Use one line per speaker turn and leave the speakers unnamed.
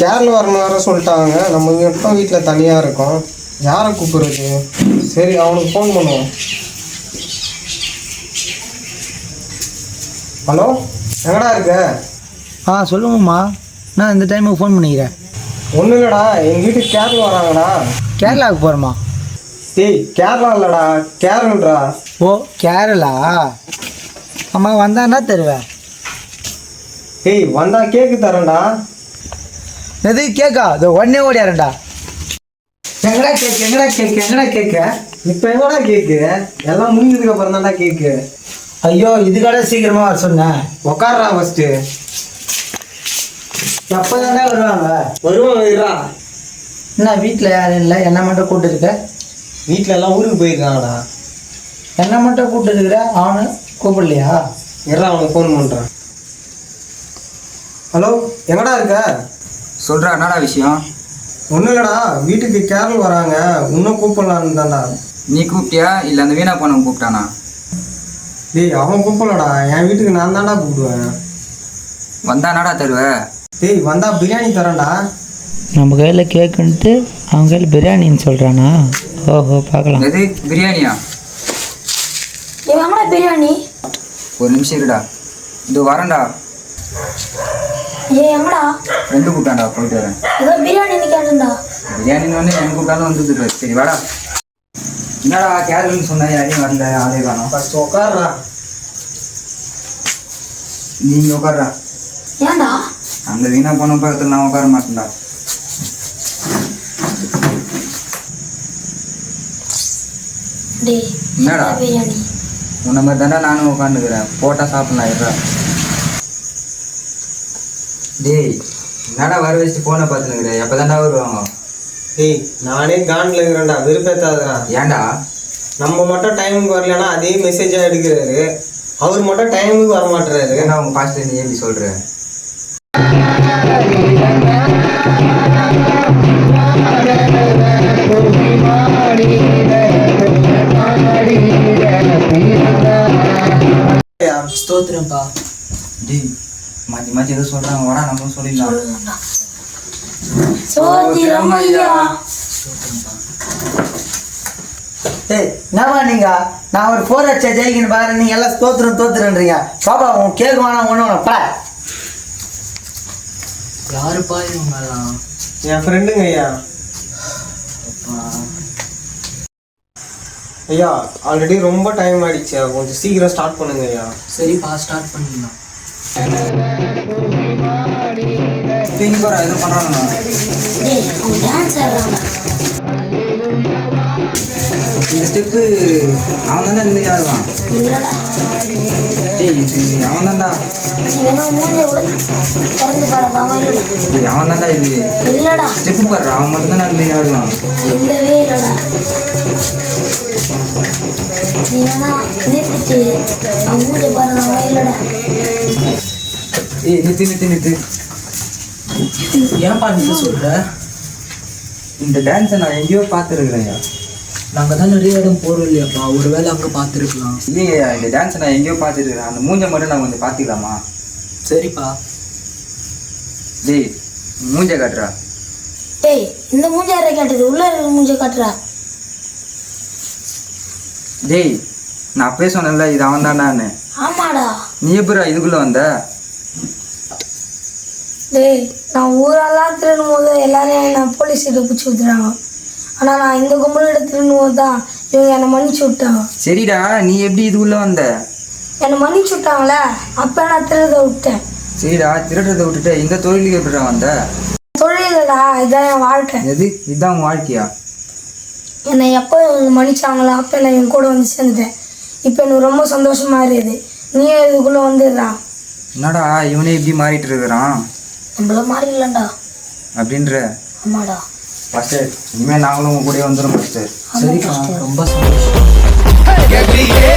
கேரளா வரணும் வேற சொல்லிட்டாங்க. நம்ம மட்டும் வீட்டில் தனியாக இருக்கோம். யாரை கூப்பிடுறது? சரி, அவனுக்கு ஃபோன் பண்ணுவோம். ஹலோ, எங்கடா இருக்க?
சொல்லுங்கம்மா. நான் இந்த டைமுக்கு ஃபோன் பண்ணிக்கிறேன்.
ஒன்றும் இல்லைடா, எங்கள் வீட்டுக்கு கேரளா வராங்கடா.
கேரளாவுக்கு போகிறோமா?
டேய், கேரளா இல்லைடா, கேரளா.
ஓ, கேரளா. அம்மா வந்தான்னா தருவேன்.
டேய், வந்தா கேக்கு தரேன்டா.
எது கேக்கா? இதோ உடனே ஓடியாரண்டா. எங்கடா கேக்கு, எங்கடா கேக்கு, எங்கடா கேக்கு?
இப்போ எங்கடா கேக்கு? எல்லாம் முடிஞ்சதுக்கு அப்புறம் தான்டா கேக்கு.
ஐயோ, இதுக்காக சீக்கிரமாக வர சொன்னேன்.
உக்காடுறா ஃபஸ்ட்டு.
எப்போ தானே வருவாங்க?
வருவாங்க.
என்ன வீட்டில் யாரும் இல்லை, என்ன மட்டும் கூப்பிட்டு இருக்க?
வீட்டில் எல்லாம் ஊருக்கு போயிருக்காங்கடா.
என்ன மட்டும் கூப்பிட்டு இருக்கிற, அவனு கூப்பிடலையா?
அவனுக்கு ஃபோன் பண்ணுறான். ஹலோ, எங்கடா இருக்க?
சொல்கிறா, என்னடா விஷயம்?
ஒன்றும் இல்லைடா, வீட்டுக்கு கேரளா வராங்க, இன்னும் கூப்பிடலான்னு தான்டா.
நீ கூப்பிட்டியா இல்லை அந்த வீணா போனவன் கூப்பிட்டானா?
டேய், அவன் கூப்பிடலடா, என் வீட்டுக்கு நான் தான்டா கூப்பிடுவேன்.
வந்தா என்னடா தருவ?
டேய், வந்தா பிரியாணி தரேன்டா.
நம்ம கையில் கேக்குன்ட்டு அவங்க கையில் பிரியாணின்னு சொல்கிறானா? ஓஹோ, பார்க்கலாம்.
எது பிரியாணியா?
எங்கடா பிரியாணி?
ஒரு நிமிஷம் இருடா, இது வரேன்டா.
எங்கடா?
ரெண்டு கூப்பிட்டான்டா, போயிட்டு வரேன்.
ஏதோ பிரியாணின்னு கேட்டேன்டா.
பிரியாணின்னு வந்து எங்க கூப்பிட்டாலும் வந்துட்டு. சரி வாடா. என்னடா கேரளன்னு சொன்னா யாரையும் வரல, ஆளே காணோம்.
ஃபஸ்ட் உட்காடுறா.
நீங்க உட்கார்றா.
ஏன்டா?
அந்த வீணா போன பக்கத்தில் நான் உட்கார மாட்டேன்டா.
டேய்,
என்னடா?
பிரியாணி
உன்ன மாதிரி தாண்டா நானும் உட்காந்துக்கிறேன். போட்டா சாப்பிடலாம் இருடா. டேய், என்னடா வர வச்சுட்டு போனை பார்த்துனுக்குறேன். எப்போ தாண்டா வருவாங்க?
டேய், நானே காண்டில் இருக்கிறேன்டா, வெறுப்பேத்தாதுடா.
ஏன்டா?
நம்ம மட்டும் டைமுக்கு வரலன்னா அதே மெசேஜாக எடுக்கிறாரு. அவர் மட்டும் டைமுக்கு வர மாட்டுறாரு.
ஏன்டா உங்க பாஸ்டர் நீ எப்படி சொல்ற?
ஸ்தோத்திரம்ப்பா.
டேய், மாற்றி மாற்றி எதுவும் சொல்றாங்க, வாடா நம்மளும் சொல்லிடலாம்.
சோதிரம் ஐயா.
ஏய், என்னவா நீங்கள்? நான் ஒரு 4 அடிச்சா ஜெயிக்கணும் பாரு, நீங்கள் எல்லாம் தோத்துறன்றீங்க. பாப்பா, உன் கேட்க வேணாம், ஒன்று வேணாம்ப்பா. யாருப்பா இவங்கெல்லாம்?
என் ஃப்ரெண்டுங்க ஐயா. ஐயா, ஆல்ரெடி ரொம்ப டைம் ஆயிடுச்சு, கொஞ்சம் சீக்கிரம் ஸ்டார்ட் பண்ணுங்க ஐயா.
சரிப்பா, ஸ்டார்ட் பண்ணிடலாம்.
தூங்கிப்போறா, எதுவும் பண்ணுறாங்க.
டேய், அவங்க டான்ஸ் ஆடுறாங்க.
இந்த ஸ்டெப்பு அவன் தானே இந்த ஆடுவான்.
இல்லடா.
டேய், இது அவன் தான்டா.
என்ன மூஞ்ச திறந்து பாருங்க.
அவன் தான்டா இது.
இல்லடா.
ஸ்டெப்பு பாடுறா, அவன் மட்டும் தானே இந்த ஆடுவான்.
இல்லவே இல்லடா. நீ வேணா நிறுத்திட்டு அவன் மூஞ்ச பாருங்க. இல்லடா.
ஏய், நிறுத்து.
ஏன்ப்பா நீ சொல்கிற?
இந்த டான்ஸை நான் எங்கேயோ பார்த்துருக்குறேன்யா.
நாங்கள் தான் நிறைய இடம் போகிறோம் இல்லையாப்பா, ஒரு வேளை அங்கே பார்த்துருக்கலாம்.
இல்லையா, இந்த டான்ஸை நான் எங்கேயோ பார்த்துருக்குறேன். அந்த மூஞ்சை மட்டும் நான் கொஞ்சம் பார்த்துக்கலாமா?
சரிப்பா.
டேய், மூஞ்சை காட்டுறா.
டேய், இந்த மூஞ்ச யாரை காட்டுது? உள்ள இருக்கிற மூஞ்ச காட்டுறா.
டேய், நான் அப்பவே சொன்னேன்ல இது அவன் தான்டான்னு.
ஆமாடா.
நீ எப்படா இதுக்குள்ளே வந்த?
டேய், நான் ஊரெல்லாம் திருடும் போது எல்லாரும் என்னை போலீஸ் கிட்ட பிடிச்சி விட்டுறாங்க. ஆனால் நான் இந்த கும்பலிட திருடும் போது தான் இவங்க என்னை மன்னிச்சு விட்டாங்க.
சரிடா, நீ எப்படி இதுக்குள்ளே வந்த?
என்னை மன்னிச்சு விட்டாங்களே, அப்போ நான் திருட விட்டேன்.
சரிடா, திருடுறதை விட்டுட்டு இந்த தொழிலுக்கு எப்படிடா வந்த?
தொழிலடா, இதுதான் என் வாழ்க்கை.
எது இதுதான் உன் வாழ்க்கையா?
என்னை எப்போ இவங்க மன்னிச்சாங்களோ அப்போ நான் என் கூட வந்து சேர்ந்துட்டேன். இப்போ எனக்கு ரொம்ப சந்தோஷமா இருக்குது. நீயும் இதுக்குள்ளே வந்துடுறா.
என்னடா இவனே இப்படி மாறிட்டு இருக்கிறான்?
நம்மள மாறிடலாம்டா.
அப்படின்ற?
ஆமாடா.
மாஸ்டர், இனிமேல் நாங்களும் உங்க கூட வந்துடும் மாஸ்டர்.
சரிப்பா, ரொம்ப சந்தோஷம்.